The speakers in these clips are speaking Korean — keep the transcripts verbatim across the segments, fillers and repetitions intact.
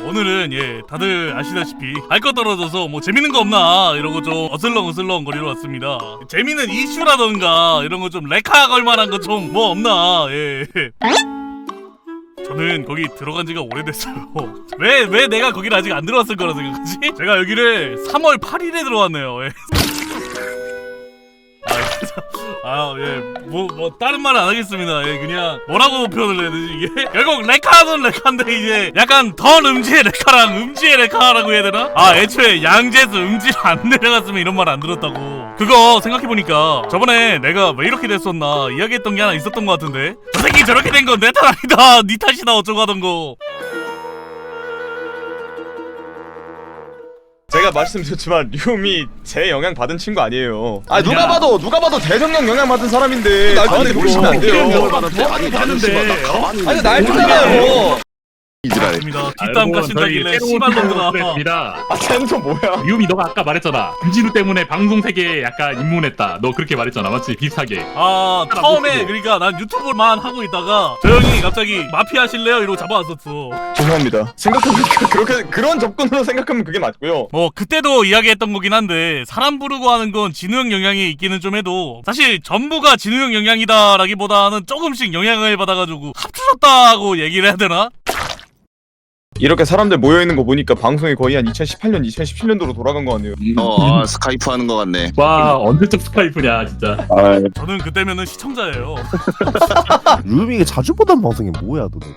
오늘은 예 다들 아시다시피 할 거 떨어져서 뭐 재밌는 거 없나 이러고 좀 어슬렁어슬렁 거리러 왔습니다. 재밌는 이슈라던가 이런 거 좀 레카 걸만한 거 좀 뭐 없나. 예. 저는 거기 들어간 지가 오래됐어요. 왜, 왜 내가 거기를 아직 안 들어왔을 거라 생각하지? 제가 여기를 삼월 팔일에 들어왔네요. 예. 아, 예, 뭐, 뭐, 다른 말은 안 하겠습니다. 예, 그냥, 뭐라고 표현을 해야 되지, 이게? 결국, 레카는 레카인데, 이제, 약간, 덜 음지의 레카랑 음지의 레카라고 해야 되나? 아, 애초에 양재에서 음지를 안 내려갔으면 이런 말 안 들었다고. 그거, 생각해보니까, 저번에 내가 왜 이렇게 됐었나, 이야기했던 게 하나 있었던 것 같은데? 저 새끼 저렇게 된 건 내 탓 아니다! 니 탓이다! 어쩌고 하던 거. 제가 말씀드렸지만 류미 제 영향 받은 친구 아니에요. 아 누가 봐도 누가 봐도 대성령 영향 받은 사람인데 저한테 보시면 안 돼요. 아니 하는데 아니 날조잖아요. 맞습니다. 뒷담 까신다길래 씨발놈들아. 입니다. 아 쟤는 또 뭐야? 유미 너가 아까 말했잖아. 김진우 때문에 방송 세계에 약간 입문했다. 너 그렇게 말했잖아, 맞지? 비슷하게. 아 처음에 그러니까 난 유튜브만 하고 있다가 저 형이 갑자기 마피아 하실래요? 이러고 잡아왔었어. 죄송합니다. 생각해보니까 그렇게 그런 접근으로 생각하면 그게 맞고요. 뭐 그때도 이야기했던 거긴 한데 사람 부르고 하는 건 진우 형 영향이 있기는 좀 해도 사실 전부가 진우 형 영향이다라기보다는 조금씩 영향을 받아가지고 합쳐졌다고 얘기를 해야 되나? 이렇게 사람들 모여있는 거 보니까 방송이 거의 한 이천십팔 년, 이천십칠 년도로 돌아간 거 같네요. 어, 아, 스카이프 하는 거 같네. 와, 언제적 스카이프냐, 진짜. 아, 저는 그때면은 시청자예요. 루미가 자주 보던 방송이 뭐야 도대체?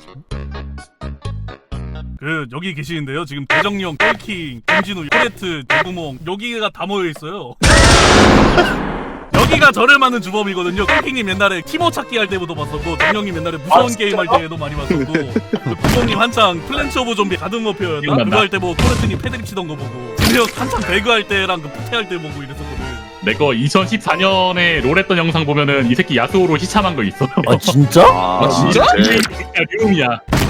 그 여기 계시는데요. 지금 대정령, 똘킹, 김진우, 코레트, 대구몽 여기가 다 모여 있어요. 여기가 저를 맞는 주범이거든요. 똘킹님 옛날에 티모 찾기 할 때부터 봤었고, 정령님 옛날에 무서운 아, 게임 할 때도 많이 봤었고, 구봉님 한창 플랜츠 오브 좀비 가든 워페어였나? 그거 할 때 뭐 코레트님 패드립 치던 거 보고, 진우 형 한창 배그 할 때랑 그 푸테 할 때 보고 이랬었거든. 내 거 이천십사 년에 롤 했던 영상 보면은 이 새끼 야스오로 시참한 거 있어. 아 진짜? 아, 진짜? 이 새끼야 류미야.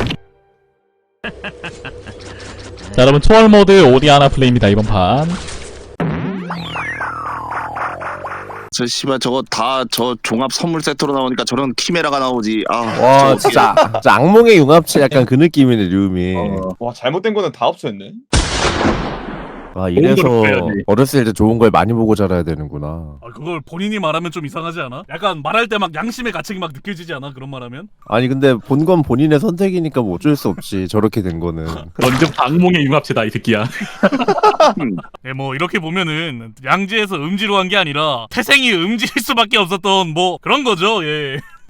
자 여러분 초월 모드 오디아나 플레이입니다 이번 판. 저 씨발 저거 다 저 종합 선물 세트로 나오니까 저런 키메라가 나오지. 아, 와 저거 진짜, 진짜 악몽의 융합체 약간 그 느낌이네 류미. 어. 와 잘못된 거는 다 없었네. 아 이래서 좋은 걸 배워야지. 어렸을 때 좋은 걸 많이 보고 자라야 되는구나. 아 그걸 본인이 말하면 좀 이상하지 않아? 약간 말할 때 막 양심의 가책이 막 느껴지지 않아? 그런 말하면? 아니 근데 본 건 본인의 선택이니까 뭐 어쩔 수 없지. 저렇게 된 거는. 완전 악몽의 융합체다 이 새끼야. 예, 뭐 이렇게 보면은 양지에서 음지로 한 게 아니라 태생이 음지일 수밖에 없었던 뭐 그런 거죠. 예.